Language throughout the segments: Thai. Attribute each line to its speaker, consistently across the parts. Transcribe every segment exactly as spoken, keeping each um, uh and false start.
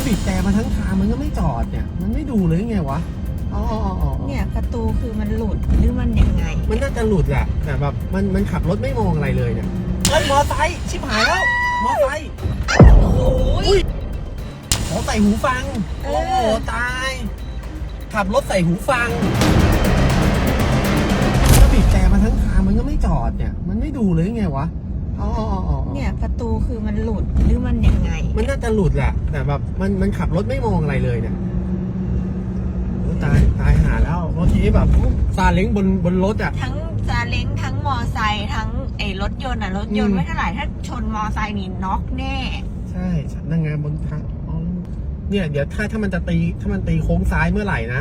Speaker 1: บีบแต่มาทั้งทางมันก็ไม่จอดเนี่ยมันไม่ดูเลยไงวะอ๋อ
Speaker 2: เนี่ยประตูคือมันหลุดหรือมันยังไง
Speaker 1: มันน่าจะหลุดแหละแต่แบบมันมันขับรถไม่มองอะไรเลยเนี่ยเฮ้ยมอไซค์ชิบหายแล้วมอไซค์
Speaker 2: โอ้โห
Speaker 1: ขอใส่หูฟังโอ้โหตายขับรถใส่หูฟังก็บีบแต่มาทั้งทางมันก็ไม่จอดเนี่ยมันไม่ดูเลยไงวะอ๋อ
Speaker 2: เนี่ยประตูคือมันหลุดหรือมันยังไง
Speaker 1: มันน่าจะหลุดแหละแต่แบบมันมันขับรถไม่มองอะไรเลยเนี่ยตายตายหาแล้วเมื่อกี้แบบซาเล้งบนบนรถอ่ะ
Speaker 2: ทั้งซาเล้งทั้งมอไซค์ทั้งไอ้รถยนต์อ่ะรถยนต์ไม่เท่าไหร่ถ้าชนมอไซค์นี่น็อกแน่
Speaker 1: ใช่นางงามบนทางเนี่ยเดี๋ยวถ้าถ้ามันจะตีถ้ามันตีโค้งซ้ายเมื่อไหร่นะ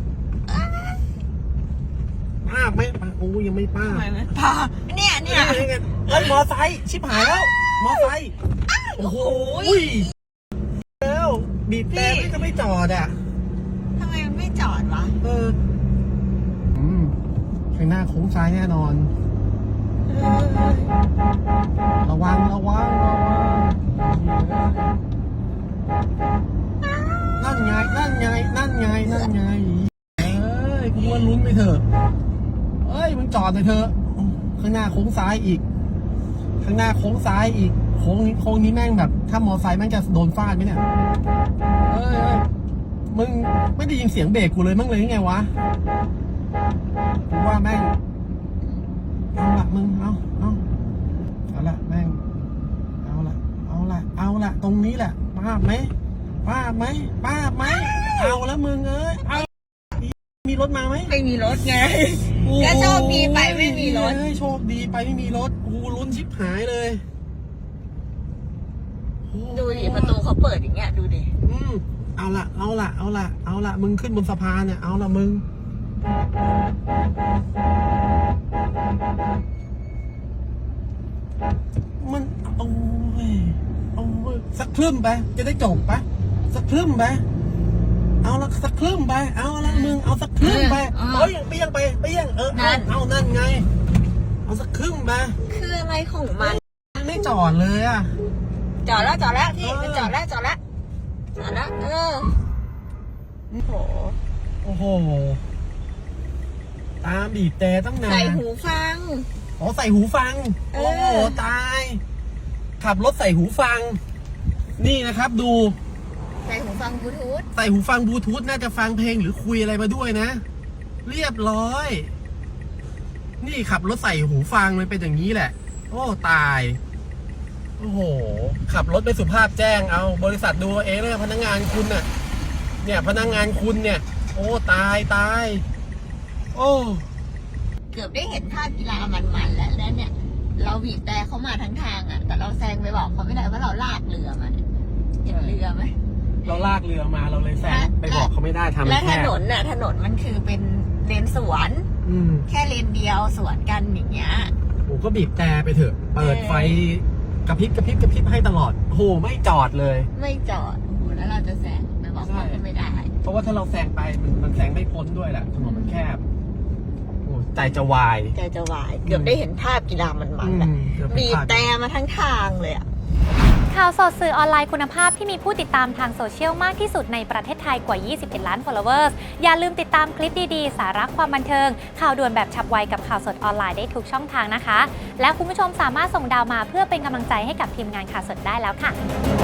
Speaker 1: ป้าบไหมป้าโอ้ยังไม่ป้าบ
Speaker 2: ไม่ป้าเนี่ยเนี่ย
Speaker 1: เฮ้ยมอไซค์ชิบหายแล้วมอไซค์โอ้โหแล้วบีบแต่ไม่ก็ไม่จอดอ่ะ
Speaker 2: ทำไมมันไม่จอดวะ
Speaker 1: เอออืมข้างหน้าโค้งซ้ายแน่นอนระวังระวังระวังนั่นไงนั่นไงนั่นไงนั่นไงเอ้ยกูว่าลุ้นไปเถอะเอ้ยมึงจอดหน่อยเถอะข้างหน้าโค้งซ้ายอีกข้างหน้าโค้งซ้ายอีกโค้งนี้โค้งนี้แม่งแบบถ้ามอไซค์แม่งจะโดนฟาดไหมเนี่ยเอ้ยมึงไม่ได้ยินเสียงเบรกกูเลยมั้งเลยยังไงวะกูว่าแม่งเอาละมึงเอาเอาเอาละแม่งเอาละเอาละเอาละตรงนี้แหละป้าบไหมป้าบไหมป้าบไหมเอาละมึงเอ้ยเอามีรถมาไหม
Speaker 2: ไม่มีรถไงก็โชคดีไปไม่มีรถ
Speaker 1: โชคดีไปไม่มีรถกูลุ้นชิบหายเลย
Speaker 2: ดูดิประตูเขาเปิดอย่างเงี้ยดูดิ
Speaker 1: อืมเอาละเอาละเอาละเอาละมึงขึ้นบนสะพานเนี่ยเอาละมึงมันโอ้ยโอ้ยสักครึ่งไปจะได้จบปะสักครึ่งไปเอาละสักครึ่งไปเอาละมึงเอาสักครึ่งไปเอ้ยเปี้ยงไปเปี้ยงเออเอาเอานั่นไงเอาสักครึ่งไป
Speaker 2: คืออะไรของมัน
Speaker 1: ไม่จอดเลยอ่ะ
Speaker 2: จอดแล้วจอดแล้วพี่มันจอดแล้วจอดแล้วจอดแล้วเออโอ้โห
Speaker 1: โอ้โหตามบีบแต่ตั้งนาน
Speaker 2: ใส่หูฟัง
Speaker 1: อ๋อใส่หูฟังโอ้โหตายขับรถใส่หูฟังนี่นะครับดู
Speaker 2: ใส่หูฟังบลูทูธ
Speaker 1: ใส่หูฟังบลูทูธน่าจะฟังเพลงหรือคุยอะไรมาด้วยนะเรียบร้อยนี่ขับรถใส่หูฟังมันเป็นอย่างนี้แหละโอ้ตายโอ้โหขับรถไม่สุภาพแจ้งเอาบริษัทดูเองเลยพนักงานคุณน่ะเนี่ยพนักงานคุณเนี่ยโอ้ตายตายโอ้
Speaker 2: เกือบได้เห็นภาพกีฬามันๆแล้วแล้วเนี่ยเราบีบแต่เขามาทั้งทางอ่ะแต่เราแซงไปบอกเขาไม่ได้ว่าเราลากเรือมาเห็นเรือไหม
Speaker 1: เราลากเรือมาเราเลยแซงไปบอกเขาไม่ได้ทำ
Speaker 2: และถนนน่ะถนนมันคือเป็นเลนสวนแค่เลนเดียวสวนกันอย่างเงี้ย
Speaker 1: โอ้ก็บีบแต่ไปเถอะเปิดไฟกระพริบกระพริบกระพริบให้ตลอดโหไม่จอดเลย
Speaker 2: ไม่จอดโอ้โหแล้วเราจะแซงไปบอกเขาไม่ได้
Speaker 1: เพราะว่าถ้าเราแซงไปมันมันแซงไม่พ้นด้วยแหละถนนมันแคบโอ้ใจจะวาย
Speaker 2: ใจจะวายเกือบได้เห็นภาพกีฬามันมันแหละบีบแต่มาทั้งทางเลยอะ
Speaker 3: ข่าวสดสื่อออนไลน์คุณภาพที่มีผู้ติดตามทางโซเชียลมากที่สุดในประเทศไทยกว่ายี่สิบเอ็ดล้าน followers อย่าลืมติดตามคลิปดีๆสาระความบันเทิงข่าวด่วนแบบฉับไวกับข่าวสดออนไลน์ได้ทุกช่องทางนะคะและคุณผู้ชมสามารถส่งดาวมาเพื่อเป็นกำลังใจให้กับทีมงานข่าวสดได้แล้วค่ะ